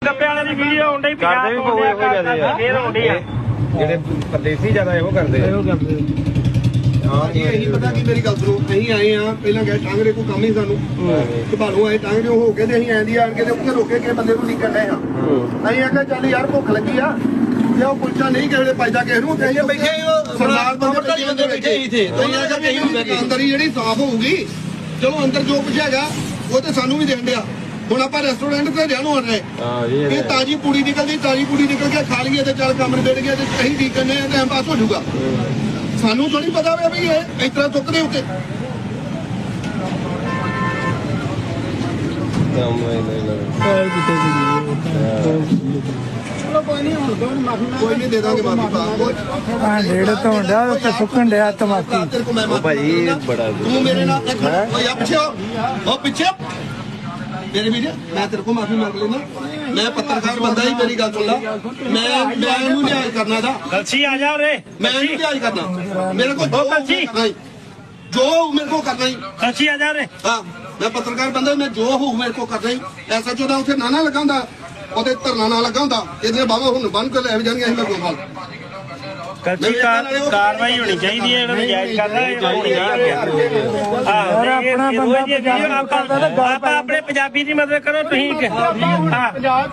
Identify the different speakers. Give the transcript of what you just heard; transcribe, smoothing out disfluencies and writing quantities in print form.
Speaker 1: ਗੱਪੇ ਵਾਲੇ ਦੀ ਵੀਡੀਓ ਆਉਂਦੀ
Speaker 2: ਕਰਦੇ ਵੀ ਬਹੁਤ ਇਹੋ ਜਿਹੇ ਆ
Speaker 1: ਫੇਰ ਆਉਂਦੀ ਆ
Speaker 2: ਜਿਹੜੇ ਪਰਦੇਸੀ ਜ਼ਿਆਦਾ ਇਹੋ ਕਰਦੇ
Speaker 3: ਹਾਂ ਜੀ ਇਹੀ ਪਤਾ ਕੀ ਮੇਰੀ ਗੱਲ ਸੁਣੋ ਅਸੀਂ ਆਏ ਆ ਪਹਿਲਾਂ ਗਏ ਟਾਂਗਰੇ ਕੋਈ ਕੰਮ ਹੀ ਸਾਨੂੰ ਘਬਾਲੂ ਆਏ ਟਾਂਗਰੇ ਹੋ ਕੇ ਤੇ ਅਸੀਂ ਆਂਦੀ ਆਣ ਕੇ ਤੇ ਉੱਥੇ ਰੋਕੇ ਕੇ ਬੰਦੇ ਨੂੰ ਨਿਕਲ ਰਹੇ ਆ ਅਸੀਂ ਆਖਿਆ ਚੱਲ ਯਾਰ ਭੁੱਖ ਲੱਗੀ ਆ ਜੇ ਉਹ ਕੁਲਚਾ ਨਹੀਂ ਕਿਸੇ ਵੇਲੇ ਪਾਈਦਾ ਕਿਸੇ ਨੂੰ ਤੇ ਅਸੀਂ ਬੈਠੇ ਸਰਦਾਰ ਬੰਦੇ ਬੈਠੇ ਹੀ ਥੇ ਅਸੀਂ ਆਖਿਆ ਕਹੀਂ ਅੰਦਰ ਹੀ ਜਿਹੜੀ ਸਾਫ਼ ਹੋਊਗੀ ਚਲੋ ਅੰਦਰ ਜੋ ਕੁਝ ਹੈਗਾ ਉਹ ਤੇ ਸਾਨੂੰ ਵੀ ਦੇਣ ਡਿਆ ਹੁਣ ਆਪਾਂ ਰੈਸਟੋਰੈਂਟ ਤੇ ਜਾਣੂ ਆਣ ਰਹੇ ਇਹ ਤਾਜੀ ਪੂੜੀ ਨਿਕਲਦੀ ਤਾਜੀ ਪੂੜੀ ਨਿਕਲ ਕੇ ਖਾ ਲਈਏ ਤੇ ਚੱਲ ਕੰਮ ਨਿਬੜ ਗਿਆ ਤੇ ਅਸੀਂ ਠੀਕ ਕਰਨੇ ਆ ਟਾਈਮ ਪਾਸ ਹੋ ਜਾਊਗਾ ਸਾਨੂੰ ਥੋੜੀ ਪਤਾ ਵੀ ਇਹ ਇਸ ਤਰ੍ਹਾਂ ਚੁੱਕਦੇ ਉੱਤੇ ਕੋਈ ਨਹੀਂ ਦੇ ਦਾਂਗੇ ਮਾਫੀ ਪਾ
Speaker 4: ਡੇਢ ਤੋਂ ਡਿਆ ਤੇ ਸੁੱਕਣ ਡਿਆ ਤਮਾਕੀ
Speaker 2: ਭਾਈ ਬੜਾ
Speaker 3: ਤੂੰ ਮੇਰੇ ਨਾਲ ਇੱਕ ਮਿੰਟ ਓਏ ਆ ਪਿੱਛੇ ਉਹ ਪਿੱਛੇ ਮੇਰੇ ਵੀਰ ਮੈਂ ਤੇਰੇ ਕੋਲ ਮਾਫੀ ਮੰਗ ਲੈਣਾ ਮੈਂ ਪੱਤਰਕਾਰ ਬੰਦਾ ਹੀ ਮੇਰੀ ਗੱਲ ਸੁਣ ਲਾ ਮੈਂ ਇਹਨੂੰ ਨਿਆਂ ਕਰਨਾ ਦਾ
Speaker 1: ਗਲਸੀ ਆ ਜਾ ਉਰੇ
Speaker 3: ਮੈਂ ਇਹਨੂੰ ਨਿਆਂ ਕਰਨਾ ਮੇਰੇ ਕੋਲ ਜੋ ਮੇਰੇ ਕੋਲ ਕਰਨਾ ਹੀ
Speaker 1: ਗਲਸੀ ਆ ਜਾ ਉਰੇ
Speaker 3: ਹਾਂ ਮੈਂ ਪੱਤਰਕਾਰ ਬੰਦਾ ਮੈਂ ਜੋ ਹੋਊ ਮੇਰੇ ਕੋਲ ਕਰਨਾ ਹੀ ਐਸਾ ਚੋਦਾ ਉੱਥੇ ਨਾ ਲਗਾਉਂਦਾ ਉਹਦੇ ਧਰਨਾ ਨਾ ਲਗਾਉਂਦਾ ਇਹਦੇ ਬਾਵਾ ਹੁਣ ਬੰਨ ਕੇ ਲੈ ਜਾਣਗੇ ਅਸੀਂ ਕੋਈ ਹਾਲ
Speaker 1: ਗਲਸੀ ਕਾਰਵਾਈ ਹੋਣੀ ਚਾਹੀਦੀ ਹੈ ਇਹਨਾਂ ਨੂੰ ਜਾਇਜ਼ ਕਰਦਾ ਆਪਣਾ ਬੰਦਾ ਆਪਾਂ ਆਪਣੇ ਪੰਜਾਬੀ ਦੀ ਮਦਦ ਕਰੋ ਤੁਸੀਂ